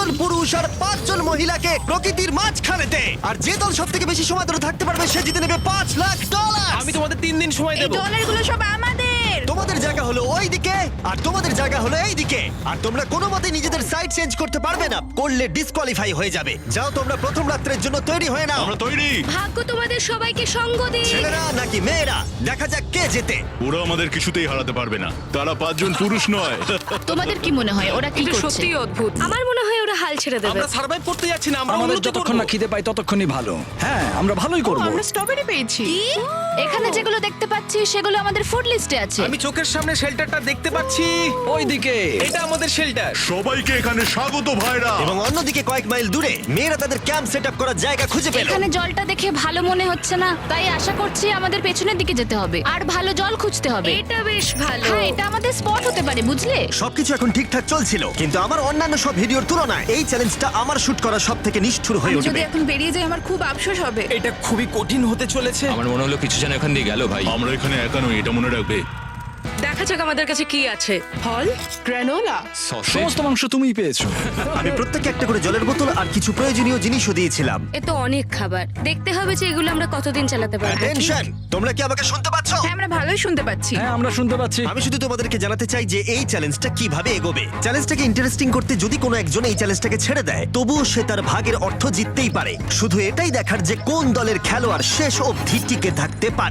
জন পুরুষ আর 5 জন মহিলাকে প্রকৃতির মাঝখানেতে। আর যে দল সবথেকে বেশি সময় ধরে থাকতে পারবে সে জিতে নেবে $5,00,000। আমি তোমাদের 3 দিন সময় এই দেব। ডলারগুলো সব আমাদের। তোমাদের জায়গা হলো ওইদিকে আর তোমাদের জায়গা হলো এইদিকে। আর তোমরা কোনো মতে নিজেদের সাইড চেঞ্জ করতে পারবে না, করলে ডিসকোয়ালিফাই হয়ে যাবে। যাও তোমরা প্রথম রাত্রের জন্য তৈরি হয়ে নাও। আমরা তৈরি। ভাগ্য তোমাদের সবাইকে সঙ্গ দিক। ছেলেরা নাকি মেয়েরা, দেখা যাক কে জেতে। ওরা আমাদের কিছুতেই হারাতে পারবে না, তারা 5 জন পুরুষ নয়। তোমাদের কি মনে হয় ওরা কি এটা করছে? সত্যি অদ্ভুত। আমার মনে হয় ওরা হাল ছেড়ে দেবে। আমরা সার্ভাইভ করতে যাচ্ছি না, আমরা আমাদের উন্নতি যতক্ষণ করব। না খিদে পাই ততক্ষণই ভালো। হ্যাঁ, আমরা ভালোই করব। আমরা স্ট্রবেরি পেয়েছি। এখানে যেগুলো দেখতে পাচ্ছি সেগুলো আমাদের ফুড লিস্টে আছে। আমি চোখের সামনে শেল্টারটা দেখতে পাচ্ছি। ওইদিকে এটা আমাদের শেল্টার। সবাইকে এখানে স্বাগত ভাইরা। এবং অন্যদিকে কয়েক মাইল দূরে মেয়েরা তাদের ক্যাম্প সেট আপ করার জায়গা খুঁজে পেল। এখানে জলটা দেখে ভালো মনে হচ্ছে না, তাই আশা করছি আমাদের পেছনের দিকে যেতে হবে আর ভালো জল খুঁজতে হবে। এটা বেশ ভালো। হ্যাঁ, এটা আমাদের স্পট হতে পারে, বুঝলে? সবকিছু এখন ঠিকঠাক চলছিল, কিন্তু আমার অন্যান্য সব ভিডিওর তুলনায় এই চ্যালেঞ্জটা আমার শুট করা সব থেকে নিষ্ঠুর হয়ে আমি যদি উঠবে। এখন বেরিয়ে যাই আমার খুব আফসোস হবে। এটা খুবই কঠিন হতে চলেছে। আমার মনে হলো কিছু যেন এখান দিয়ে গেল ভাই। আমরা এখানে একা নই, এটা মনে রাখবে। দেখা যাক আমাদের কাছে কি আছে। ফল, গ্রানোলা। সসেজ। সমস্ত মাংস তুমিই পেয়েছো। আমি প্রত্যেককে একটা করে জলের বোতল আর কিছু প্রয়োজনীয় জিনিসও দিয়েছিলাম। এ তো অনেক খাবার। দেখতে হবে যে এগুলো আমরা কতদিন চালাতে পারবো। টেনশন, তোমরা কি আমাকে শুনতে পাচ্ছ? হ্যাঁ, আমরা ভালোই শুনতে পাচ্ছি। হ্যাঁ, আমরা শুনতে পাচ্ছি। আমি শুধু তোমাদেরকে জানাতে চাই যে এই চ্যালেঞ্জটা কিভাবে এগোবে। চ্যালেঞ্জটাকে ইন্টারেস্টিং করতে যদি কোনো একজন এই চ্যালেঞ্জটাকে ছেড়ে দেয়, তবুও সে তার ভাগের অর্থ জিততেই পারে। শুধু এটাই দেখার যে কোন দলের খেলোয়াড় শেষ অবধি টিকে থাকতে পারে।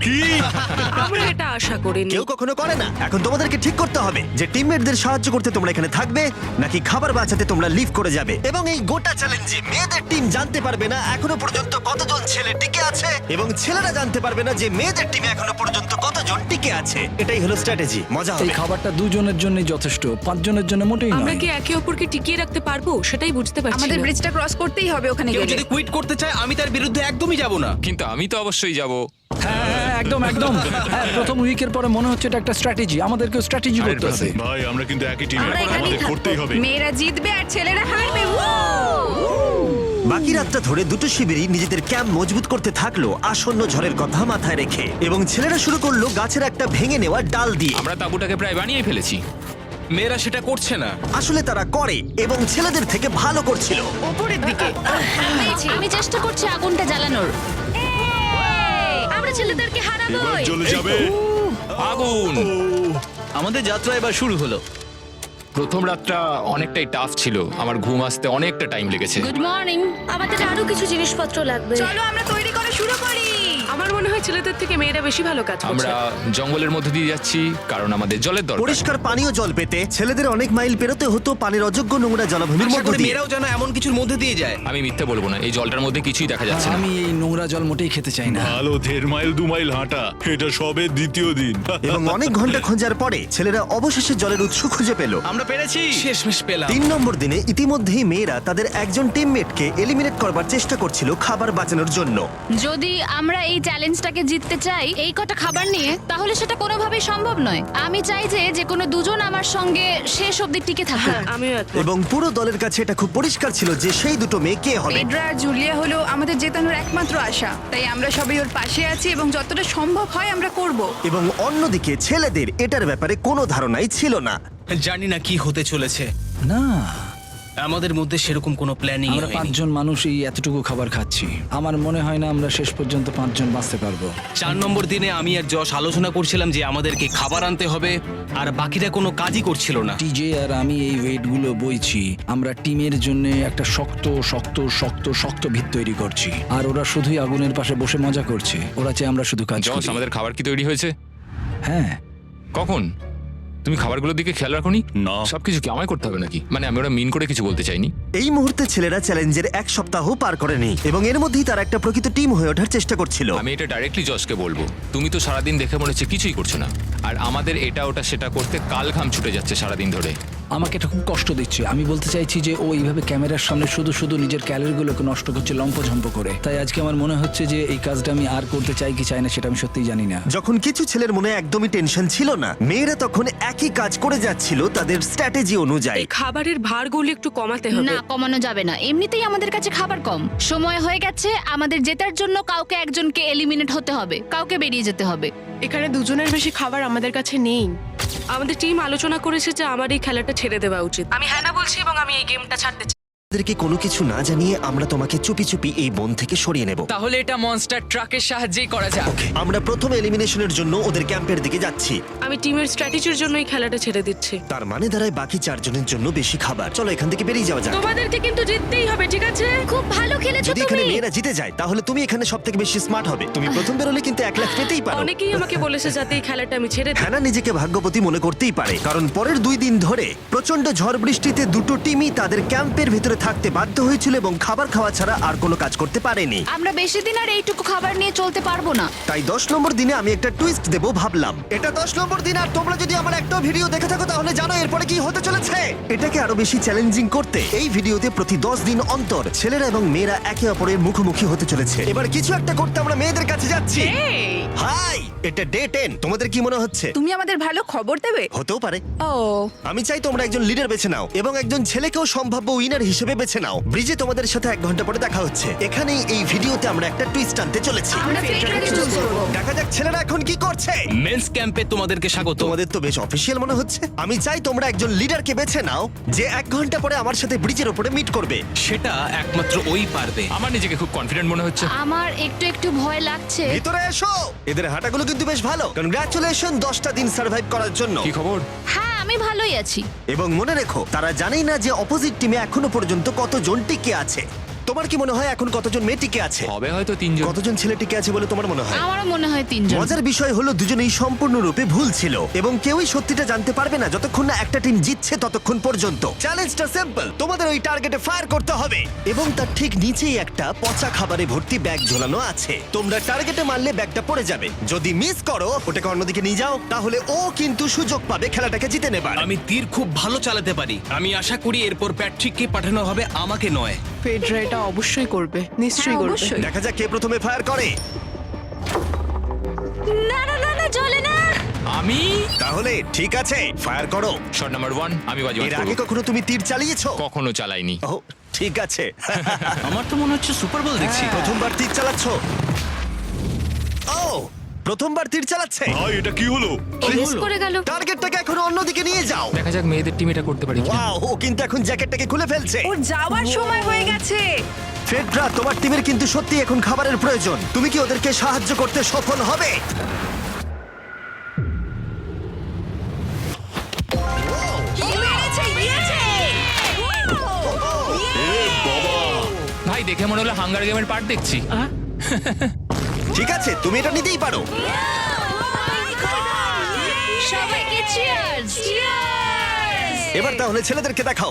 আমরা এটা আশা করিনি। কেউ কখনো করে না। এখন তোমাদেরকে ঠিক করতে হবে যে টিমমেটদের সাহায্য করতে তোমরা এখানে থাকবে নাকি খাবার বাঁচাতে তোমরা লিভ করে যাবে। এবং এই গোটা চ্যালেঞ্জে মেয়েদের টিম জানতে পারবে না এখনো পর্যন্ত কতজন ছেলে টিকে আছে, এবং ছেলেরা জানতে পারবে না যে মেয়েদের টিমে এখনো পর্যন্ত কতজন টিকে আছে। এটাই হলো স্ট্র্যাটেজি। মজা এই হবে। খাবারটা 2 জনের জন্যই যথেষ্ট, 5 জনের জন্য মোটেই আমরা নয়। কি একে অপরকে টিকিয়ে রাখতে পারবো সেটাই বুঝতে পারছি আমাদের না। ব্রিজটা ক্রস করতেই হবে ওখানে কেউ গেলে। যদি কুইট করতে চায় আমি তার বিরুদ্ধে একদমই যাব না। কিন্তু আমি তো অবশ্যই যাব। হ্যাঁ, হ্যাঁ, একদম একদম। হ্যাঁ, প্রথম উইকের পরে মনে হচ্ছে এটা একটা স্ট্র্যাটেজি। আমাদেরকেও স্ট্র্যাটেজি করতে হবে। ভাই আমরা কিন্তু একই টিমে, আমরা এখানেই আমাদের থাকবো। করতেই হবে। মেয়েরা জিতবে আর ছেলেরা হারবে। বাকি রাতটা ধরে দুটো শিবিরই নিজেদের ক্যাম্প মজবুত করতে থাকলো আসন্ন ঝড়ের কথা মাথায় রেখে, এবং ছেলেরা শুরু করলো গাছের একটা ভেঙে নেওয়া ডাল দিয়ে। আমরা তাঁবুটাকে প্রায় বানিয়ে ফেলেছি। মেয়েরা সেটা করছে না। আসলে তারা করে এবং ছেলেদের থেকে ভালো করছিল। উপরের দিকে। আমি চেষ্টা করছি আগুনটা জ্বালানোর। আমরা ছেলেদেরকে হারাবো। এবার চলে যাবে। আগুন। আমাদের যাত্রা এবার শুরু হলো। প্রথম রাতটা অনেকটাই টাফ ছিল, আমার ঘুম আসতে অনেকটা টাইম লেগেছে। Good morning. আমাদের আরো কিছু জিনিসপত্র লাগবে। চলো আমরা তৈরি করা শুরু করি। আমার মনে হয় ছেলেদের থেকে মেয়েরা বেশি ভালো কাজ করছে। আমরা জঙ্গলের মধ্যে দিয়ে যাচ্ছি কারণ আমাদের জলের দরকার। পরিষ্কার পানীয় জল পেতে ছেলেদের অনেক মাইল পেরোতে হতো পানির অযোগ্য নোংরা জলাভূমির আশা মধ্য করি দিয়ে। মেয়েরাও যেন এমন কিছুর মধ্যে দিয়ে যায়। আমি মিথ্যে বলবো না, এই জলটার মধ্যে কিছুই দেখা যাচ্ছে না। আমি এই নোংরা জল মোটেই খেতে চাই না। ভালো 1.5 মাইল 2 মাইল হাঁটা, এটা সবে দ্বিতীয় দিন। এবং অনেক ঘন্টা খোঁজার পরে ছেলেরা অবশেষে জলের উৎস খুঁজে পেল। আমরা পেরেছি, শেষমেশ পেলাম। 3 নম্বর দিনে ইতিমধ্যেই মেয়েরা তাদের একজন টিমমেটকে এলিমিনেট করবার চেষ্টা করছিল খাবার বাঁচানোর জন্য। যদি আমরা এই চ্যালেঞ্জটাকে জিততে চাই এই কটা খাবার নিয়ে, তাহলে সেটা কোনোভাবেই সম্ভব নয়। আমি চাই যে কোনো দুজন আমার সঙ্গে শেষ অবধি টিকে থাকুক। হ্যাঁ, আমিও একমত। এবং পুরো দলের কাছে এটা খুব পরিষ্কার ছিল যে সেই দুটো মেয়ে কে হবে। পেড্রা আর জুলিয়া হলো আমাদের জেতানোর একমাত্র আশা। তাই আমরা সবাই ওর পাশে আছি এবং যতটা সম্ভব হয় আমরা করব। এবং অন্যদিকে ছেলেদের এটার ব্যাপারে কোনো ধারণাই ছিল না। জানি না কি হতে চলেছে। না, আমাদের মধ্যে সেরকম কোনো প্ল্যানিং আমরা 5 জন মানুষ এই এতটুকু খাবার খাচ্ছি। আমার মনে হয় না আমরা শেষ পর্যন্ত 5 জন বাঁচতে পারবো। 4 নম্বর দিনে আমি আর যশ আলোচনা করছিলাম যে আমাদেরকে খাবার আনতে হবে, আর বাকিরা কোনো কাজই করছিল না। টিজে আর আমি এই ওয়েটগুলো বইছি। আমরা টিমের জন্য একটা শক্ত শক্ত শক্ত শক্ত ভিত তৈরি করছি, আর ওরা শুধুই আগুনের পাশে বসে মজা করছে। ওরা চাই আমরা শুধু কাজ জস, করি। আমাদের খাবার কি তৈরি হয়েছে? হ্যাঁ, কখন? তুমি খাবারগুলোর দিকে খেয়াল রাখোনি? না। সবকিছু কি আমায় করতে হবে নাকি? মানে আমি ওরা মিন করে কিছু বলতে চাইনি। এই মুহূর্তে ছেলেরা চ্যালেঞ্জের 1 সপ্তাহ পার করেনি এবং এর মধ্যেই তারা একটা প্রকৃত টিম হয়ে ওঠার চেষ্টা করছিল। আমি এটা ডাইরেক্টলি জসকে বলবো। তুমি তো সারাদিন দেখে মনে হচ্ছে কিছুই করছো না, আর আমাদের এটা ওটা সেটা করতে কাল ঘাম ছুটে যাচ্ছে সারাদিন ধরে। আমাকে এটা খুব কষ্ট দিচ্ছে। আমি বলতে চাইছি যে ও এইভাবে ক্যামেরার সামনে শুধু শুধু নিজের ক্যালোরিগুলোকে নষ্ট করছে লম্পঝম্প করে। তাই আজকে আমার মনে হচ্ছে যে এই কাজটা আমি আর করতে চাই কি চাই না সেটা আমি সত্যিই জানি না। যখন কিছু ছেলের মনে একদমই টেনশন ছিল না, মেয়েরা তখন একই কাজ করে যাচ্ছিল তাদের স্ট্র্যাটেজি অনুযায়ী। এই খাবারের ভারগুলো একটু কমাতে হবে। না, কমানো যাবে না। এমনিতেই আমাদের কাছে খাবার কম। সময় হয়ে গেছে আমাদের জেতার জন্য কাউকে একজনকে এলিমিনেট হতে হবে, কাউকে বেরিয়ে যেতে হবে। এখানে 2 জনের বেশি খাবার আমাদের কাছে নেই। আমাদের টিম আলোচনা করেছে যে আমার এই খেলাটা ছেড়ে দেওয়া উচিত। আমি হ্যাঁ না বলছি এবং আমি এই গেমটা ছাড়তে চাই। বসদেরকে কোনো কিছু না জানিয়ে আমরা তোমাকে চুপি চুপি এই বন থেকে সরিয়ে নেব। তাহলে এটা মনস্টার ট্রাকের সাহায্যেই করা যাক। আমরা প্রথম এলিমিনেশনের জন্য ওদের ক্যাম্পের দিকে যাচ্ছি। আমি টিমের স্ট্র্যাটেজির জন্য এই খেলাটা ছেড়ে দিচ্ছি। তার মানে দাঁড়ায় বাকি 4 জনের জন্য বেশি খাবার। চলো এখান থেকে বেরিয়ে যাওয়া যাক। তোমাদেরকে কিন্তু জিততেই হবে, ঠিক আছে? খুব ভালো খেলেছো যদি এখানে তুমি। মেয়েরা জিতে যায় তাহলে তুমি এখানে সবথেকে বেশি স্মার্ট হবে। তুমি প্রথম বেরোলে কিন্তু 1 লাখ পেতেই পারো। অনেকেই আমাকে বলেছে যাতে এই খেলাটা আমি ছেড়ে দিই। হ্যানা নিজেকে ভাগ্যবতী মনে করতেই পারে, কারণ পরের 2 দিন ধরে প্রচন্ড ঝড় বৃষ্টিতে দুটো টিমই তাদের ক্যাম্পের ভিতরে থাকতে বাধ্য হয়েছিল এবং খাবার খাওয়া ছাড়া আর কোনো কাজ করতে পারেনি। আমরা বেশি দিন আর এইটুকু খাবার নিয়ে চলতে পারবো না। তাই 10 নম্বর দিনে আমি একটা টুইস্ট দেব ভাবলাম। এটা 10 নম্বর দিন, আর তোমরা যদি আমার একটা ভিডিও দেখে থাকো তাহলে জানো এরপরে কি হতে চলেছে। এটাকে আরো বেশি চ্যালেঞ্জিং করতে এই ভিডিওতে প্রতি 10 দিন অন্তর ছেলেরা এবং মেয়েরা একে অপরের মুখোমুখি হতে চলেছে। এবার কিছু একটা করতে আমরা মেয়েদের কাছে যাচ্ছি। হাই, এটা ডে 10। তোমাদের কি মনে হচ্ছে? তুমি আমাদের ভালো খবর দেবে? হতেও পারে। ও, আমি চাই তোমরা একজন লিডার বেছে নাও এবং একজন ছেলেকেও সম্ভাব্য উইনার হিসেবে বেছে নাও। ব্রিজে তোমাদের সাথে 1 ঘন্টা পরে দেখা হচ্ছে। এখানেই এই ভিডিওতে আমরা একটা টুইস্ট আনতে চলেছি। আমরা ফেডরারকে চুজ করব। দেখা যাক ছেলেরা এখন কি করছে। মেন্স ক্যাম্পে তোমাদেরকে স্বাগত। তোমাদের তো বেশ অফিসিয়াল মনে হচ্ছে। আমি চাই তোমরা একজন লিডারকে বেছে নাও যে 1 ঘন্টা পরে আমার সাথে ব্রিজের উপরে মিট করবে। সেটা একমাত্র ওই পারবে। আমার নিজেকে খুব কনফিডেন্ট মনে হচ্ছে। আমার একটু একটু ভয় লাগছে। ভিতরে এসো। এদের হাঁটাগুলো কিন্তু বেশ ভালো। কনগ্রাচুলেশন 10টা দিন সার্ভাইভ করার জন্য। কি খবর? হ্যাঁ, আমি ভালোই আছি। এবং মনে রেখো, তারা জানেই না যে অপোজিট টিমে এখনো পর্যন্ত কতজন টিকে আছে। তোমার কি মনে হয় এখন কতজন মেয়ে টিকে আছে? হবে হয়তো 3 জন। কতজন ছেলে টিকে আছে বলে তোমার মনে হয়? আমারও মনে হয় 3 জন। মজার বিষয় হলো দুজনেই সম্পূর্ণরূপে ভুল ছিল এবং কেউই সত্যিটা জানতে পারবে না যতক্ষণ না একটা টিম জিতছে ততক্ষণ পর্যন্ত। চ্যালেঞ্জটা সিম্পল, তোমাদের ওই টার্গেটে ফায়ার করতে হবে এবং তার ঠিক নিচেই একটা পচা খাবারে ভর্তি ব্যাগ ঝোলানো আছে। তোমরা টার্গেটে মারলে ব্যাগটা পড়ে যাবে। যদি মিস করো, ওটাকে অন্যদিকে নিয়ে যাও, তাহলে ও কিন্তু সুযোগ পাবে খেলাটাকে জিতে নেবার। আমি তীর খুব ভালো চালাতে পারি। আমি আশা করি এরপর প্যাট্রিককে পাঠানো হবে, আমাকে নয়। ফেডরা এটা অবশ্যই করবে, নিশ্চয়ই হ্যাঁ, করবে। অবশ্যই। দেখা যাক কে প্রথমে ফায়ার করে। না না না না, চলে না। আমি তাহলে ঠিক আছে, ফায়ার করো। শট নাম্বার 1 আমি বাজি এর আগে কখনো তুমি তীর চালিয়েছো? কখনো চালাইনি। ও ঠিক আছে। আমার তো মনে হচ্ছে সুপার বল দেখছি। প্রথমবার তীর চালাচ্ছ? ও, প্রথমবার তীর চালাচ্ছে। ভাই এটা কি হলো? মিস করে গেল। টার্গেটটাকে এখন অন্যদিকে নিয়ে যাও। দেখা যাক মেয়েদের টিম এটা করতে পারি কিনা। ওয়াও, ও কিন্তু এখন জ্যাকেটটাকে খুলে ফেলছে। ওর যাওয়ার সময় হয়ে গেছে। ফেডরা, তোমার টিমের কিন্তু সত্যি এখন খাবারের প্রয়োজন। তুমি কি ওদেরকে সাহায্য করতে সফল হবে? ভাই দেখে মনে হলো হাঙ্গার গেমের পার্ট দেখছি। ঠিক আছে, তুমি এটা নিতেই পারো। সবাইকে চিয়ার্স। এবার তাহলে ছেলেদেরকে দেখাও।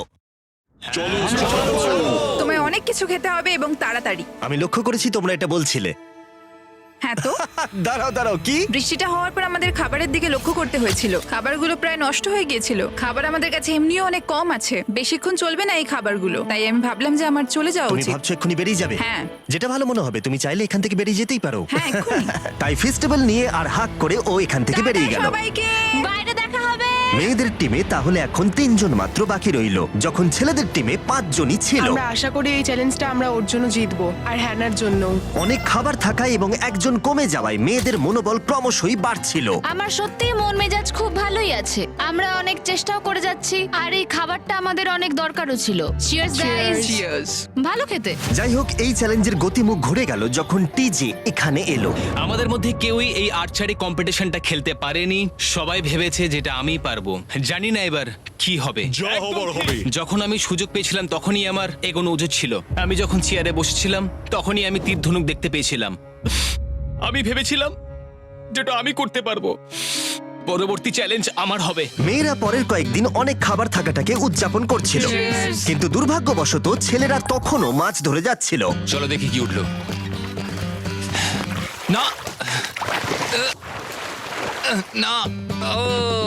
তোমায় অনেক কিছু খেতে হবে এবং তাড়াতাড়ি। আমি লক্ষ্য করেছি তোমরা এটা বলছিলে। হ্যাঁ তো, দাঁড়াও দাঁড়াও, কি? বৃষ্টিটা হওয়ার পর আমাদের খাবারের দিকে লক্ষ্য করতে হয়েছিল। খাবারগুলো প্রায় নষ্ট হয়ে গিয়েছিল। খাবার আমাদের কাছে এমনিও অনেক কম আছে, বেশিক্ষণ চলবে না এই খাবারগুলো। তাই আমি ভাবলাম যে আমার চলে যাওয়া তুমি উচিত। ভাবছো এক্ষুনি বেরিয়ে যাবে? হ্যাঁ। যেটা ভালো মনে হবে। তুমি চাইলে এখান থেকে বেরিয়ে যেতেই পারো। হ্যাঁ, এক্ষুনি। তাই ফেস্টিভ্যাল নিয়ে আর হাক করে ও এখান থেকে বেরিয়ে গেল। সবাইকে বাইরে দেখা হবে। মেয়েদের টিমে তাহলে এখন 3 জন মাত্র বাকি রইল, যখন ছেলেদের টিমে 5 জনই ছিল। আমরা আশা করি এই চ্যালেঞ্জটা আমরা ওর জন্য জিতবো, আর হ্যানার জন্য। অনেক খাবার থাকায় এবং একজন কমে যাওয়ায় মেয়েদের মনোবল ক্রমশই বাড়ছিল। আমার সত্যি মন মেজাজ খুব ভালোই আছে। আমরা অনেক চেষ্টাও করে যাচ্ছি আর এই খাবারটা আমাদের অনেক দরকারও ছিল। Cheers guys. চিয়ার্স। ভালো খেতে। যাই হোক, এই চ্যালেঞ্জের গতিমুখ ঘুরে গেল যখন টিজি এখানে এলো। আমাদের মধ্যে কেউই এই আর্চারি কম্পিটিশনটা খেলতে পারেনি। সবাই ভেবেছে যেটা আমি পারবো। জানি না এবার কি হবে। যা হবার হবে। যখন আমি সুযোগ পেয়েছিলাম তখনই আমার এগোনো উচিত ছিল। আমি যখন চেয়ারে বসেছিলাম তখনই আমি তীর ধনুক দেখতে পেয়েছিলাম। আমি ভেবেছিলাম যেটা আমি করতে পারবো। পরবর্তী চ্যালেঞ্জ আমার হবে। মেয়েরা পরের কয়েকদিন অনেক খাবার থাকাটাকে উদযাপন করছিল, কিন্তু দুর্ভাগ্যবশত ছেলেরা তখনও মাছ ধরে যাচ্ছিল। চলো দেখি কি উঠলো। না না ও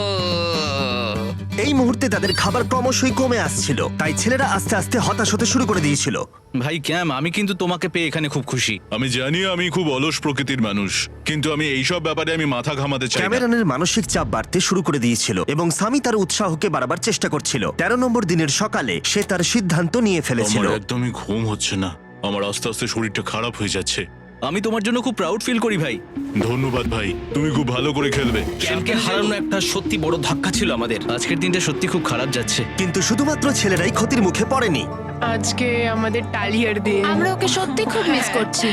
এই মুহূর্তে তাদের খাবার ক্রমশই কমে আসছিল, তাই ছেলেরা আস্তে আস্তে হতাশ হতে শুরু করে দিয়েছিল। ভাই ক্যাম, আমি কিন্তু তোমাকে পেয়ে এখানে খুব খুশি। আমি জানি আমি খুব অলস প্রকৃতির মানুষ, কিন্তু আমি এইসব ব্যাপারে আমি মাথা ঘামাতে চাই না। ক্যামেরনের মানসিক চাপ বাড়তে শুরু করে দিয়েছিল এবং সামি তার উৎসাহকে বাড়াবার চেষ্টা করছিল। 13 নম্বর দিনের সকালে সে তার সিদ্ধান্ত নিয়ে ফেলেছিল। আমার একদমই ঘুম হচ্ছে না। আমার আস্তে আস্তে শরীরটা খারাপ হয়ে যাচ্ছে। আমি তোমার জন্য খুব প্রাউড ফিল করি ভাই। ধন্যবাদ ভাই, তুমি খুব ভালো করে খেলবে। ক্যামকে হারানো একটা সত্যি বড় ধাক্কা ছিল আমাদের। আজকের দিনটা সত্যি খুব খারাপ যাচ্ছে। কিন্তু শুধুমাত্র ছেলেরাই ক্ষতির মুখে পড়েনি। আজকে আমাদের টালিয়ার দিন। আমরা ওকে সত্যি খুব মিস করছি।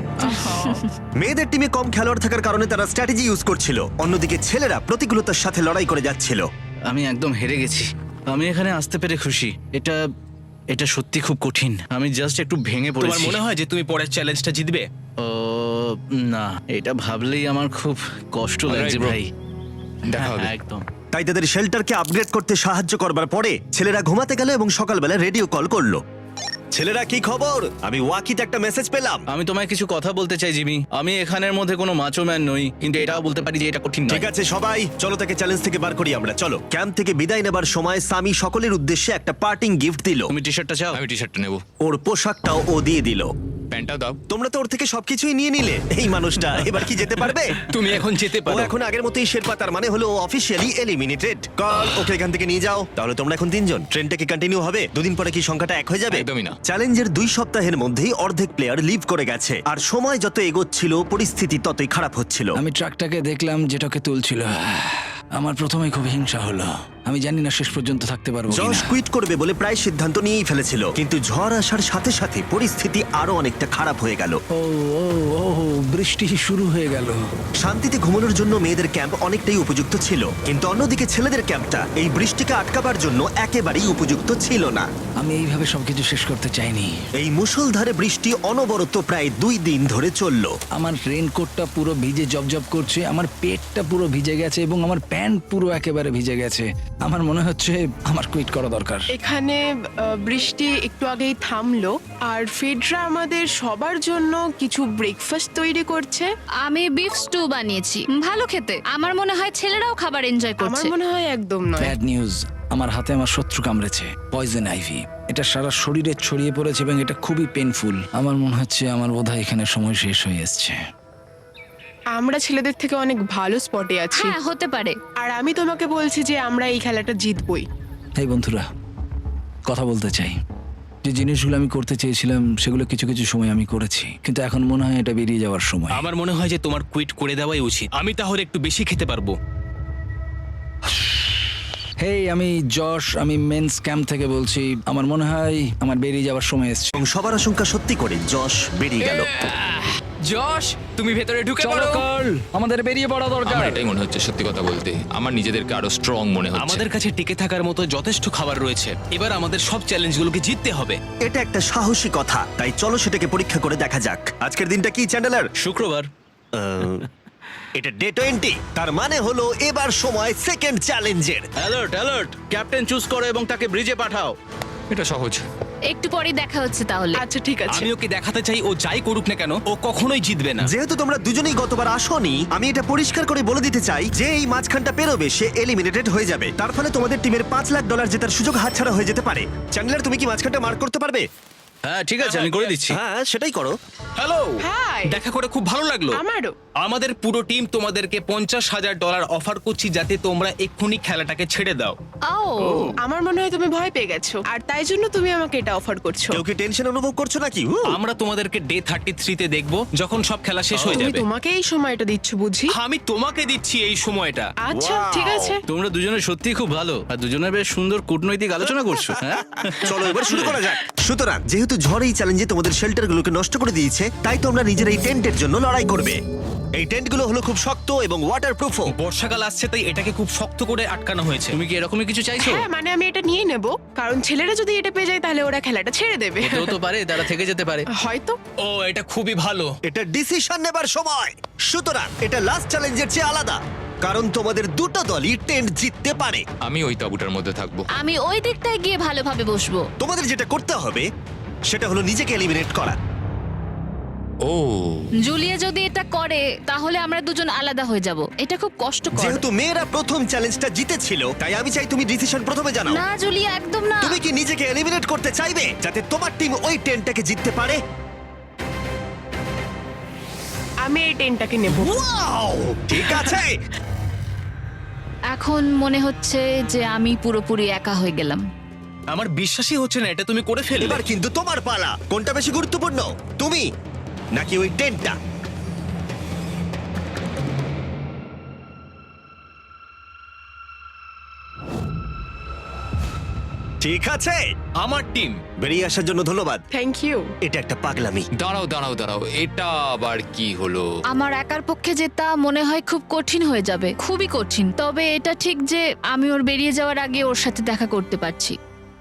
মেয়েদের টিমে কম খেলোয়াড় থাকার কারণে তারা স্ট্র্যাটেজি ইউজ করছিল, অন্যদিকে ছেলেরা প্রতিকূলতার সাথে লড়াই করে যাচ্ছিল। আমি একদম হেরে গেছি। আমি এখানে আসতে পেরে খুশি। এটা সত্যি খুব কঠিন। আমি জাস্ট একটু ভেঙে তোমার পড়েছি। মনে হয় যে তুমি পরের চ্যালেঞ্জটা জিতবে? ও না, এটা ভাবলেই আমার খুব কষ্ট লাগছে bro. ভাই। দেখা হবে। হ্যাঁ, একদম। তাই তাদের শেল্টারকে আপগ্রেড করতে সাহায্য করবার পরে ছেলেরা ঘুমাতে গেল এবং সকালবেলা রেডিও কল করলো। ছেলেরা, কি খবর? আমি ওয়াকিতে একটা মেসেজ পেলাম। আমি তোমায় কিছু কথা বলতে চাই জিমি। আমি এখানের মধ্যে কোনো মাচো ম্যান নই, কিন্তু এটাও বলতে পারি যে এটা কঠিন নয়। ঠিক আছে সবাই, চলো তাকে চ্যালেঞ্জ থেকে বার করি আমরা। চলো। ক্যাম্প থেকে বিদায় নেবার সময় সামি সকলের উদ্দেশ্যে একটা পার্টিং গিফট দিল। তুমি টি শার্টটা চাও? আমি টি শার্টটা নেবো, ওর পোশাকটাও ও দিয়ে দিল। প্যান্টটাও দাও। তোমরা তো ওর থেকে সবকিছুই নিয়ে নিলে। এই মানুষটা এবার কি যেতে পারবে? তুমি এখন যেতে ও পারো। এখন আগের মতোই শেরপা, তার মানে হলো অফিসিয়ালি এলিমিনেটেড। কল ওকে এখান থেকে নিয়ে যাও। তাহলে তোমরা এখন 3 জন। ট্রেনটা কি কন্টিনিউ হবে? দুদিন পরে কি সংখ্যাটা 1 হয়ে যাবে? একদমই না। চ্যালেঞ্জের 2 সপ্তাহের মধ্যেই অর্ধেক প্লেয়ার লিভ করে গেছে, আর সময় যত এগোচ্ছিল পরিস্থিতি ততই খারাপ হচ্ছিল। আমি ট্রাকটাকে দেখলাম যেটাকে তুলছিল। আমার প্রথমেই খুব হিংসা হলো। আমি জানি না শেষ পর্যন্ত থাকতে পারবো জশ কিনা। কুইট করবে বলে প্রায় সিদ্ধান্ত নিয়েই ফেলেছিল, কিন্তু ঝড় আসার সাথে সাথে পরিস্থিতি আরো অনেকটা খারাপ হয়ে গেল। ও ও ও বৃষ্টি শুরু হয়ে গেল। শান্তিতে ঘুমানোর জন্য মেয়েদের ক্যাম্প অনেকটাই উপযুক্ত ছিল, কিন্তু অন্যদিকে ছেলেদের ক্যাম্পটা এই বৃষ্টিকে আটকাবার জন্য একেবারেই উপযুক্ত ছিল না। আমি এইভাবে সবকিছু শেষ করতে চাইনি। এই মুষলধারে বৃষ্টি অনবরত প্রায় 2 দিন ধরে চলল। আমার রেনকোটটা পুরো ভিজে জবজব করছে, আমার পেটটা পুরো ভিজে গেছে এবং আমার প্যান্ট পুরো একেবারে ভিজে গেছে। আমার মনে হচ্ছে আমার কুইট করা দরকার। এখানে বৃষ্টি একটু আগেই থামলো, আর ফেডরা আমাদের সবার জন্য কিছু ব্রেকফাস্ট তৈরি করছে। আমি বিফ স্টু বানিয়েছি, ভালো খেতে। আমার মনে হয় ছেলেরাও খাবার এনজয় আমার করছে। মনে হয় একদম নয়। ব্যাড নিউজ, আমার হাতে আমার শত্রু কামড়েছে, পয়জন আইভি। এটা সারা শরীরে ছড়িয়ে পড়েছে এবং এটা খুবই পেনফুল। আমার মনে হচ্ছে আমার বোধহয় এখানে সময় শেষ হয়ে এসছে। আমরা ছেলেদের থেকে অনেক ভালো স্পটে আছি, হ্যাঁ, হতে পারে। আর আমি তোমাকে বলছি যে আমরা এই খেলাটা জিতবই। এই বন্ধুরা, কথা বলতে চাই। যে জিনিসগুলো আমি করতে চেয়েছিলাম সেগুলো কিছু কিছু সময় আমি করেছি, কিন্তু এখন মনে হয় এটা বেরিয়ে যাওয়ার সময়। আমার মনে হয় যে তোমার কুইট করে দেওয়াই উচিত। আমি তাহলে একটু বেশি খেতে পারবো। হেই, আমি যশ, আমি মেন্স ক্যাম্প থেকে বলছি। আমার মনে হয় আমার বেরিয়ে যাওয়ার সময় এসছে। এবং সবার আশঙ্কা সত্যি করে যশ বেরিয়ে গেল। যশ, তুমি ভেতরে ঢুকে চলো পড়ো। কার্ল, আমাদের বেরিয়ে পড়া দরকার। আমার এটাই মনে হচ্ছে, সত্যি কথা বলতে আমার নিজেদেরকে আরো স্ট্রং মনে হচ্ছে। আমাদের কাছে টিকে থাকার মতো যথেষ্ট খাবার রয়েছে। এবার আমাদের সব চ্যালেঞ্জগুলোকে জিততে হবে। এটা একটা সাহসী কথা, তাই চলো সেটাকে পরীক্ষা করে দেখা যাক। আজকের দিনটা কি চ্যান্ডেলার? শুক্রবার। এটা ডে 20, তার মানে হলো এবার সময় সেকেন্ড চ্যালেঞ্জের। অ্যালার্ট অ্যালার্ট, ক্যাপ্টেন চুজ করো এবং তাকে ব্রিজে পাঠাও। এটা সহজ। একটু পরে দেখা হচ্ছে তাহলে। আচ্ছা ঠিক আছে। আমি ওকে দেখাতে চাই ও যাই করুক না কেন ও কখনোই জিতবে না। যেহেতু তোমরা দুজনেই গতবার আসোনি, আমি এটা পরিষ্কার করে বলে দিতে চাই যে এই মাঝখানটা পেরোবে সে এলিমিনেটেড হয়ে যাবে। তার ফলে তোমাদের টিমের $5 লাখ জেতার সুযোগ হাতছাড়া হয়ে যেতে পারে। চ্যান্ডেলার, তুমি কি মাঝখানটা মার্ক করতে পারবে? হ্যাঁ ঠিক আছে, আমি করে দিচ্ছি। হ্যাঁ, সেটাই করো। Hello, hi. দেখা করে খুব ভালো লাগলো। আমারও। আমাদের পুরো টিম তোমাদেরকে $50,000 অফার করছি যাতে তোমরা এক্ষুনি খেলাটাকে ছেড়ে দাও। ও, আমার মনে হয় তুমি ভয় পেয়ে গেছো, আর তাই জন্য তুমি আমাকে এটা অফার করছো। কেউ কি টেনশন অনুভব করছো নাকি? আমরা তোমাদেরকে ডে 33-তে দেখবো যখন সব খেলা শেষ হয়ে তুমি যাবে। তোমাকে এই সময়টা দিচ্ছ বুঝি? আমি তোমাকে দিচ্ছি এই সময়টা। আচ্ছা ঠিক আছে। তোমরা দুজনে সত্যি খুব ভালো, আর দুজনে বেশ সুন্দর কূটনৈতিক আলোচনা করছো। হ্যাঁ, চলো এবার শুরু করা যাক। সুতরাং যেহেতু ঝড় এই চ্যালেঞ্জে তোমাদের শেল্টারগুলোকে নষ্ট করে দিয়েছে, তাই তোমরা নিজের এই টেন্টের জন্য লড়াই করবে। এই টেন্টগুলো হলো খুব শক্ত এবং ওয়াটারপ্রুফও। বর্ষাকাল আসছে তাই এটাকে খুব শক্ত করে আটকানো হয়েছে। তুমি কি এরকমই কিছু চাইছো? হ্যাঁ মানে আমি এটা নিয়ে নেব, কারণ ছেলেরা যদি এটা পেয়ে যায় তাহলে ওরা খেলাটা ছেড়ে দেবে। হতেও তো পারে তারা থেকে যেতে পারে। হয়তো। ও, এটা খুবই ভালো। এটা ডিসিশন নেবার সময়। সুতরাং এটা লাস্ট চ্যালেঞ্জের চেয়ে আলাদা, কারণ তোমাদের দুটো দলই টেন্ট জিততে পারে। আমি ওই তাঁবুটার মধ্যে থাকবো। আমি ওই দিকটায় গিয়ে ভালোভাবে বসবো। তোমাদের যেটা করতে হবে সেটা হলো নিজেকে এলিমিনেট করা। ও, জুলিয়া যদি এটা করে তাহলে আমরা দুজন আলাদা হয়ে যাব। এটা খুব কষ্টকর। যেহেতু মেয়েরা প্রথম চ্যালেঞ্জটা জিতেছিল, তাই আমি চাই তুমি ডিসিশন প্রথমে জানাও। না জুলিয়া, একদম না। তুমি কি নিজেকে এলিমিনেট করতে চাইবে যাতে তোমার টিম ওই টেন্টটাকে জিততে পারে? আমি এই টেনটাকে নেব। ওয়াও, ঠিক আছে। এখন মনে হচ্ছে যে আমি পুরোপুরি একা হয়ে গেলাম। আমার বিশ্বাসই হচ্ছে না এটা তুমি করে ফেললে। এবার কিন্তু তোমার পালা। কোনটা বেশি গুরুত্বপূর্ণ, তুমি নাকি ওই টেন্টটা? ঠিক আছে, আমার টিম। বেরিয়ে আসার জন্য ধন্যবাদ। Thank you. এটা একটা পাগলামি। দাঁড়াও দাঁড়াও দাঁড়াও, এটা আবার কি হলো? আমার একার পক্ষে জেতা মনে হয় খুব কঠিন হয়ে যাবে, খুবই কঠিন। তবে এটা ঠিক যে আমি ওর বেরিয়ে যাওয়ার আগে ওর সাথে দেখা করতে পারছি।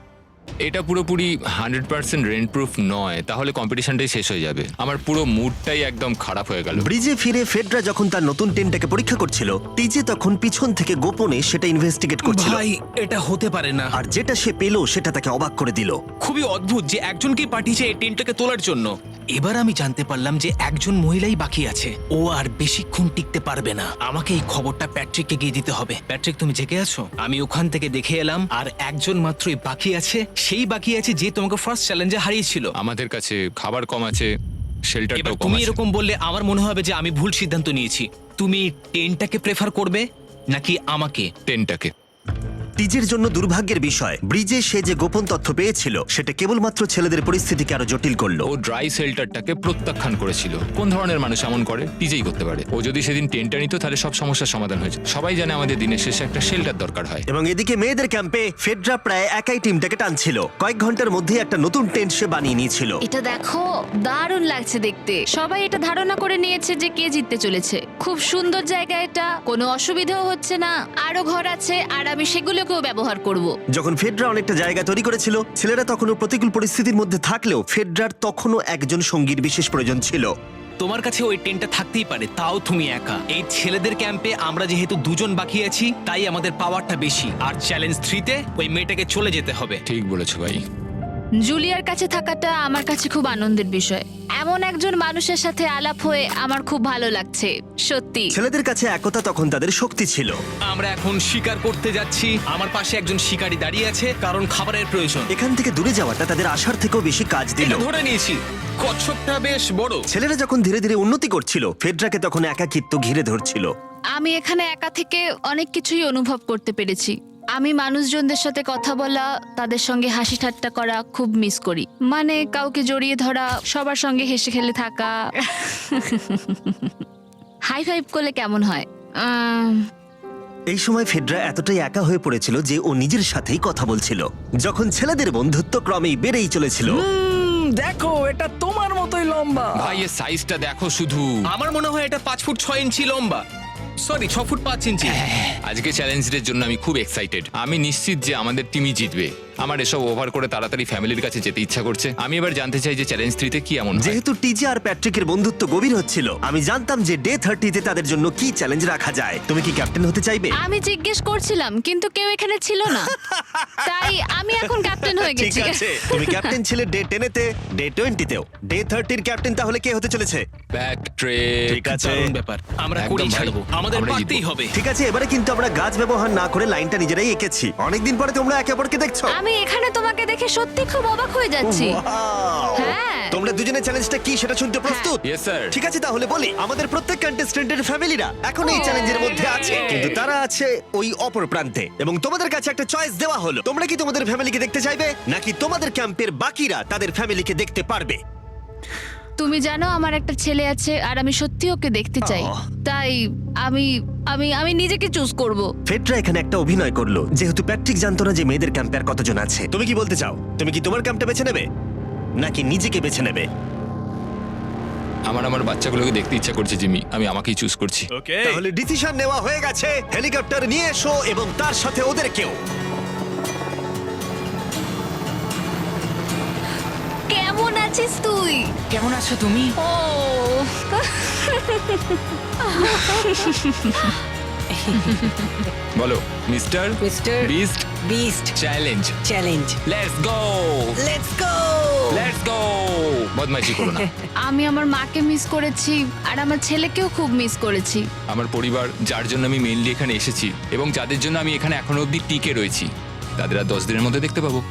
এটা পুরোপুরি 100% রেন্ট প্রুফ নয়, তাহলে কম্পিটিশনটাই শেষ হয়ে যাবে। আমার পুরো মুডটাই একদম খারাপ হয়ে গেল। ব্রিজে ফিরে ফেডরা যখন তার নতুন টেন্টটাকে পরীক্ষা করছিল, টিজে তখন পিছন থেকে গোপনে সেটা ইনভেস্টিগেট করছিল। ভাই এটা হতে পারে না। আর যেটা সে পেল সেটা তাকে অবাক করে দিল। খুবই অদ্ভুত যে একজনকে পাঠিয়েছে এই টেন্টটাকে তোলার জন্য। এবার আমি জানতে পারলাম যে একজন মহিলাই বাকি আছে। ও আর বেশিক্ষণ টিকতে পারবে না। আমাকে এই খবরটা প্যাট্রিককে গিয়ে দিতে হবে। প্যাট্রিক, তুমি জেগে আছো? আমি ওখান থেকে দেখে এলাম আর একজন মাত্রই বাকি আছে। সেই বাকি আছে যে তোমাকে ফার্স্ট চ্যালেঞ্জে হারিয়েছিল। আমাদের কাছে খাবার কম আছে, এবার শেল্টারটাও কম তুমি আছে। এরকম বললে আমার মনে হবে যে আমি ভুল সিদ্ধান্ত নিয়েছি। তুমি টেন্টটাকে প্রেফার করবে নাকি আমাকে? টেনটাকে। টিজের জন্য দুর্ভাগ্যের বিষয়, ব্রিজে সে যে গোপন তথ্য পেয়েছিল সেটা কেবলমাত্র ছেলেদের পরিস্থিতিকে আরো জটিল করলো। ও ড্রাই শেল্টারটাকে প্রত্যাখ্যান করেছিল। কোন ধরনের মানুষ এমন করে? নিজেই করতে পারে। ও যদি সেদিন টেন্টটা নিত তাহলে সব সমস্যার সমাধান হয়েছে। সবাই জানে আমাদের দিনের শেষে একটা শেল্টার দরকার হয়। এবং এদিকে মেয়েদের ক্যাম্পে ফেডরা প্রায় একাই টিমটাকে টানছিল। কয়েক ঘন্টার মধ্যে একটা নতুন টেন্ট সে বানিয়ে নিয়েছিল। এটা দেখো, দারুণ লাগছে দেখতে। সবাই এটা ধারণা করে নিয়েছে যে কে জিততে চলেছে। খুব সুন্দর জায়গা এটা, কোনো অসুবিধাও হচ্ছে না। আরো ঘর আছে আর আমি সেগুলোকেও ব্যবহার করব। যখন ফেডরা অনেকটা জায়গা তৈরি করেছিল, ছেলেরা তখনও প্রতিকূল পরিস্থিতির মধ্যে থাকলেও ফেডরার তখনও একজন সঙ্গীর বিশেষ প্রয়োজন ছিল। তোমার কাছে ওই টেন্টটা থাকতেই পারে, তাও তুমি একা। এই ছেলেদের ক্যাম্পে আমরা যেহেতু দুজন বাকি আছি, তাই আমাদের পাওয়ারটা বেশি। আর চ্যালেঞ্জ 3-তে ওই মেয়েটাকে চলে যেতে হবে। ঠিক বলেছো ভাই। জুলিয়ার কাছে থাকাটা আমার কাছে খুব আনন্দের বিষয়। এমন একজন মানুষের সাথে আলাপ হয়ে আমার খুব ভালো লাগছে, সত্যি। ছেলেদের কাছে একতা তখন তাদের শক্তি ছিল। আমরা এখন শিকার করতে যাচ্ছি। আমার পাশে একজন শিকারী দাঁড়িয়ে আছে, কারণ খাবারের প্রয়োজন। এখান থেকে দূরে যাওয়াটা তাদের আশার থেকেও বেশি কাজ দিল। এটা ধরে নিয়েছি, কচ্ছপটা বেশ বড়। ছেলেরা যখন ধীরে ধীরে উন্নতি করছিল, ফেডরাকে তখন একাকিত্ব ঘিরে ধরছিল। আমি এখানে একা থেকে অনেক কিছুই অনুভব করতে পেরেছি। আমি মানুষজনদের সাথে কথা বলা, তাদের সঙ্গে হাসি ঠাট্টা করা খুব মিস করি। মানে কাউকে জড়িয়ে ধরা, সবার সঙ্গে হেসে খেলে থাকা। হাই ফাইভ করলে কেমন হয়? এই সময় ফেডরা এতটাই একা হয়ে পড়েছিল যে ও নিজের সাথেই কথা বলছিল। যখন ছেলেদের বন্ধুত্ব ক্রমেই বেড়েই চলেছিল, দেখো, এটা তোমার মতোই লম্বা। ভাই এর সাইজটা দেখো শুধু। আমার মনে হয় এটা 5 ফুট 6 ইঞ্চি লম্বা। Sorry, 6 foot 5 inch. আজকে চ্যালেঞ্জের জন্য আমি খুব এক্সাইটেড। আমি নিশ্চিত যে আমাদের টিমই জিতবে। আমার এসব ওভার করে তাড়াতাড়ি ফ্যামিলির কাছে যেতে ইচ্ছা করছে। আমি এবার জানতে চাই যে চ্যালেঞ্জ 3-তে কি এমন হয়। যেহেতু টিজে আর প্যাট্রিকের বন্ধুত্ব গভীর হচ্ছিল, আমি জানতাম যে ডে 30-তে তাদের জন্য কি চ্যালেঞ্জ রাখা যায়। তুমি কি ক্যাপ্টেন হতে চাইবে? আমি জিজ্ঞেস করছিলাম, কিন্তু কেউ এখানে ছিল না, তাই আমি এখন ক্যাপ্টেন হয়ে ঠিক গেছি। আছে, তুমি ক্যাপ্টেন ছিলে ডে 10-তে, ডে 20-তেও। ডে 30-র ক্যাপ্টেন তাহলে কে হতে চলেছে? Back trek. ঠিক আছে, দারুণ ব্যাপার। আমরা একদম করেই ভাই। ছাড়বো, আমাদের আমরা পারতেই জিতবো। হবে। ঠিক আছে। এবারে কিন্তু আমরা গাছ ব্যবহার না করে লাইনটা নিজেরাই এঁকেছি। অনেকদিন পরে তোমরা একে অপরকে দেখছো। আমি এখানে তোমাকে দেখে সত্যি খুব অবাক হয়ে যাচ্ছি। Wow! হ্যাঁ। তোমরা দুজনের চ্যালেঞ্জটা কি সেটা শুনতে প্রস্তুত? Yes, sir. ঠিক আছে, তাহলে বলি, আমাদের প্রত্যেক কন্টেস্টেন্টের ফ্যামিলিরা এখন এই চ্যালেঞ্জের মধ্যে আছে, কিন্তু তারা আছে ওই অপর প্রান্তে। এবং তোমাদের কাছে একটা চয়েস দেওয়া হলো, তোমরা কি তোমাদের ফ্যামিলিকে দেখতে চাইবে নাকি তোমাদের ক্যাম্পের বাকিরা তাদের ফ্যামিলিকে দেখতে পারবে? তুমি জানো আমার একটা ছেলে আছে আর আমি সত্যি ওকে দেখতে চাই। আহ। তাই আমি আমি আমি নিজেকে চুজ করব। ফেডরা এখানে একটা অভিনয় করলো, যেহেতু প্যাট্রিক জানতো না যে মেয়েদের ক্যাম্পে আর কতজন আছে। তুমি কি বলতে চাও? তুমি কি তোমার ক্যাম্পটা বেছে নেবে নাকি নিজেকে বেছে নেবে? আমার বাচ্চাগুলোকে দেখতে ইচ্ছা করছে জিমি। আমি আমাকেই চুজ করছি। তাহলে ডিসিশন নেওয়া হয়ে গেছে। হেলিকপ্টার নিয়ে এসো এবং তার সাথে ওদেরকেও। কেমন আছিস তুই? কেমন আছো তুমি? ও বলো mister mister beast beast challenge. Challenge. Let's go, let's go. Let's go. বদমাইশি করো না। আমি আমার মাকে মিস করেছি আর আমার ছেলেকেও খুব মিস করেছি। আমার পরিবার, যার জন্য আমি মেইনলি এখানে এসেছি এবং যাদের জন্য আমি এখানে এখনো অবধি টিকে রয়েছি, তাদের আর 10 দিনের মধ্যে দেখতে পাবো।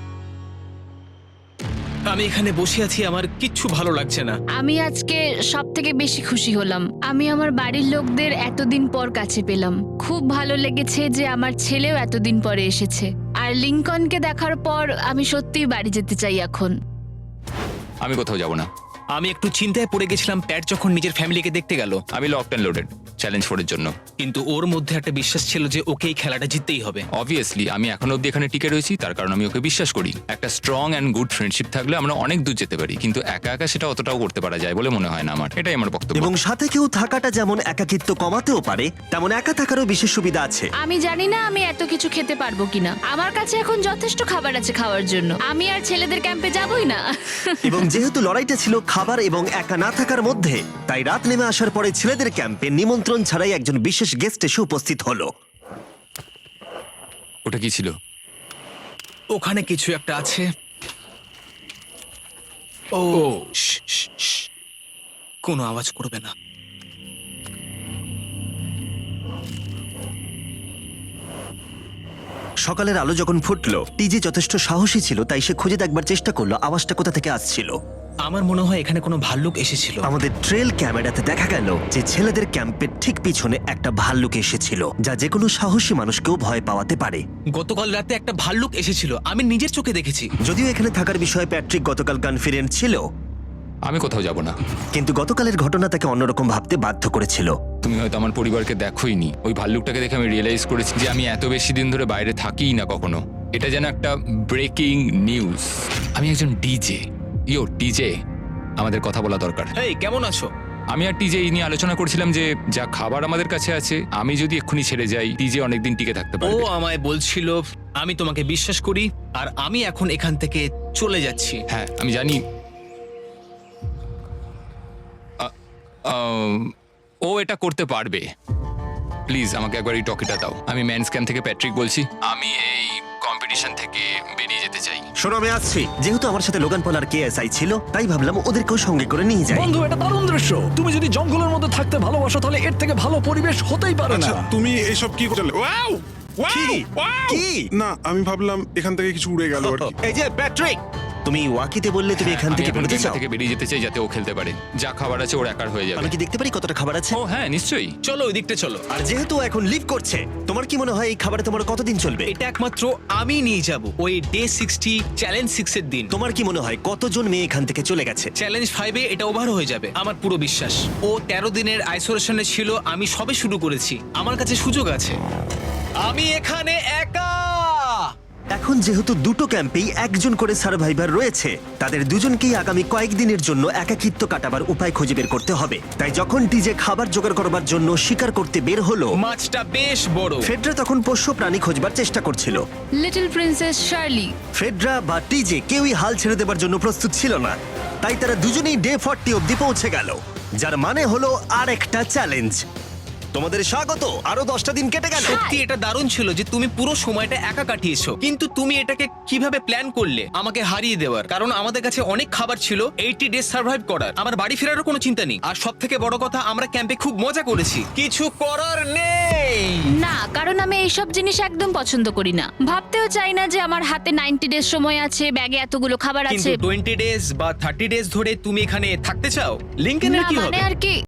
আমি এখানে বসে আছি, আমার কিচ্ছু ভালো লাগছে না। আমি আজকে সব থেকে বেশি খুশি হলাম। আমি আমার বাড়ির লোকদের এতদিন পর কাছে পেলাম। খুব ভালো লেগেছে যে আমার ছেলেও এতদিন পরে এসেছে। আর লিংকনকে দেখার পর আমি সত্যিই বাড়ি যেতে চাই এখন। আমি কোথাও যাব না। আমি একটু চিন্তায় পড়ে গেছিলাম প্যাট যখন নিজের ফ্যামিলিকে দেখতে গেল। আমি লকড অ্যান্ড লোডেড। চ্যালেঞ্জ 4 এর জন্য। কিন্তু ওর মধ্যে একটা বিশ্বাস ছিল যে ওকে এই খেলাটা জিততেই হবে। অবভিয়াসলি আমি এখনো অব্দি এখানে টিকে রয়েছি, তার কারণ আমি ওকে বিশ্বাস করি। একটা স্ট্রং অ্যান্ড গুড ফ্রেন্ডশিপ থাকলে আমরা অনেক দূর যেতে পারি, কিন্তু একা একা সেটা অতটাও করতে পারা যায় বলে মনে হয় না আমার। এটাই আমার বক্তব্য। এবং সাথে কেউ থাকাটা যেমন একাকিত্ব কমাতেও পারে, তেমন একা থাকারও বিশেষ সুবিধা আছে। আমি জানি না আমি এত কিছু খেতে পারবো কিনা। আমার কাছে এখন যথেষ্ট খাবার আছে খাওয়ার জন্য। আমি আর ছেলেদের ক্যাম্পে যাবই না। এবং যেহেতু লড়াইটা ছিল খাবার এবং একা না থাকার মধ্যে, তাই রাত নেমে আসার পরে ছেলেদের ক্যাম্পে নিমন্ত্রণ ছাড়াই একজন বিশেষ গেস্ট এসে উপস্থিত হলো। ওটা কি ছিল? ওখানে কিছু একটা আছে। ও শ্, শ্, শ্। কোনো আওয়াজ করবে না। সকালের আলো যখন ফুটলো, টিজে যথেষ্ট সাহসী ছিল, তাই সে খুঁজে দেখবার চেষ্টা করলো আওয়াজটা কোথা থেকে আসছিল। আমার মনে হয় এখানে কোনো ভাল্লুক এসেছিল। আমাদের ট্রেল ক্যামেরাতে দেখা গেল যে ছেলেদের ক্যাম্পের ঠিক পিছনে একটা ভাল্লুক এসেছিল, যা যে কোনো সাহসী মানুষকেও ভয় পাওয়াতে পারে। গতকাল রাতে একটা ভাল্লুক এসেছিল, আমি নিজের চোখে দেখেছি। যদিও এখানে থাকার বিষয়ে প্যাট্রিক গতকাল কনফিডেন্ট ছিল, আমি কোথাও যাব না। কিন্তু গতকালের ঘটনা তাকে অন্যরকম ভাবতে বাধ্য করেছিল। তুমি হয়তো আমার পরিবারকে দেখোইনি। ওই ভাল্লুকটাকে দেখে আমি রিয়েলাইজ করেছি যে আমি এত বেশি দিন ধরে বাইরে থাকিই না কখনো। এটা যেন একটা ব্রেকিং নিউজ। আমি একজন ডিজে। টিজে, আমাদের কথা বলা দরকার। এই কেমন আছো? আমি আর টিজে এই নিয়ে আলোচনা করছিলাম যে যা খাবার আমাদের কাছে আছে, আমি যদি এক্ষুনি ছেড়ে যাই, টিজে অনেকদিন টিকে থাকতে ও পারবে। আমায় বলছিল আমি তোমাকে বিশ্বাস করি, আর আমি এখন এখান থেকে চলে যাচ্ছি। হ্যাঁ আমি জানি। ও এটা করতে পারবে। প্লিজ আমাকে একবার এই টকিটা দাও। আমি ম্যানস ক্যাম্প থেকে প্যাট্রিক বলছি। আমি এই কম্পিটিশন থেকে বেরিয়ে যেতে চাই। শোনো, আমি আসছি। যেহেতু আমার সাথে লোগান পল আর কেএসআই ছিল, তাই ভাবলাম ওদেরকেও সঙ্গে করে নিয়ে যাই। বন্ধু, এটা দারুণ দৃশ্য। তুমি যদি জঙ্গলের মধ্যে থাকতে ভালোবাসো তাহলে এর থেকে ভালো পরিবেশ হতেই পারে না। আচ্ছা তুমি এইসব কি করলে? ওয়াও কি? কি? না আমি ভাবলাম এখান থেকে কিছু উড়ে গেল আর কি। এই যে প্যাট্রিক, তুমি ওয়াকিতে বললে তুমি এখান আমি থেকে এখন বেরোতে গেমটা চাও। থেকে বেরিয়ে যেতে চাই যাতে ও খেলতে পারে। যা খাবার আছে ওর একার হয়ে যাবে। আমি কি দেখতে পারি কতটা খাবার আছে? ও হ্যাঁ নিশ্চয়ই। চলো ওই দিকটা চলো। আর যেহেতু ও এখন লিভ করছে, তোমার কি মনে হয় এই খাবারে তোমার কতদিন চলবে? এটা একমাত্র আমি নিয়ে যাব ওই ডে 60 চ্যালেঞ্জ 6 এর দিন। তোমার কি মনে হয় কতজন মেয়ে এখান থেকে চলে গেছে? চ্যালেঞ্জ 5 এ এটা ওভার হয়ে যাবে, আমার পুরো বিশ্বাস। ও 13 দিনের আইসোলেশনে ছিল, আমি সবে শুরু করেছি। আমার কাছে সুযোগ আছে। আমি এখানে একা। এখন যেহেতু দুটো ক্যাম্পেই একজন করে সার্ভাইভার রয়েছে, তাদের দুজনকেই আগামী কয়েকদিনের জন্য একাকিত্ব কাটাবার উপায় খুঁজে বের করতে হবে। তাই যখন টিজে খাবার জোগাড় করবার জন্য শিকার করতে বের হলো, মাছটা বেশ বড়। ফেডরা তখন পোষ্য প্রাণী খোঁজবার চেষ্টা করছিল। Little princess Shirley. ফেডরা বা টিজে কেউই হাল ছেড়ে দেবার জন্য প্রস্তুত ছিল না, তাই তারা দুজনেই ডে 40 অব্দি পৌঁছে গেল, যার মানে হলো আর একটা চ্যালেঞ্জ। তোমাদের স্বাগত। আরো 10টা দিন কেটে গেল। সত্যি এটা দারুণ ছিল যে তুমি পুরো সময়টা একা কাটিয়েছো, কিন্তু তুমি এটাকে কিভাবে প্ল্যান করলে আমাকে হারিয়ে দেওয়ার? কারণ আমাদের কাছে অনেক খাবার ছিল 80 ডেজ সার্ভাইভ করার। আমার বাড়ি ফেরারও কোনো চিন্তা নেই। আর সব থেকে বড় কথা, আমরা ক্যাম্পে খুব মজা করেছি। কিছু করার নেই। না, কারণ আমি এইসব জিনিস একদম পছন্দ করি না। ভাবতেও চাই না যে আমার হাতে 90 ডেজ সময় আছে, ব্যাগে এতগুলো খাবার কিন্তু আছে। 20 ডেজ বা 30 ডেজ ধরে তুমি এখানে থাকতে চাও? লিংকেনের না কি মানে হবে? আর কি,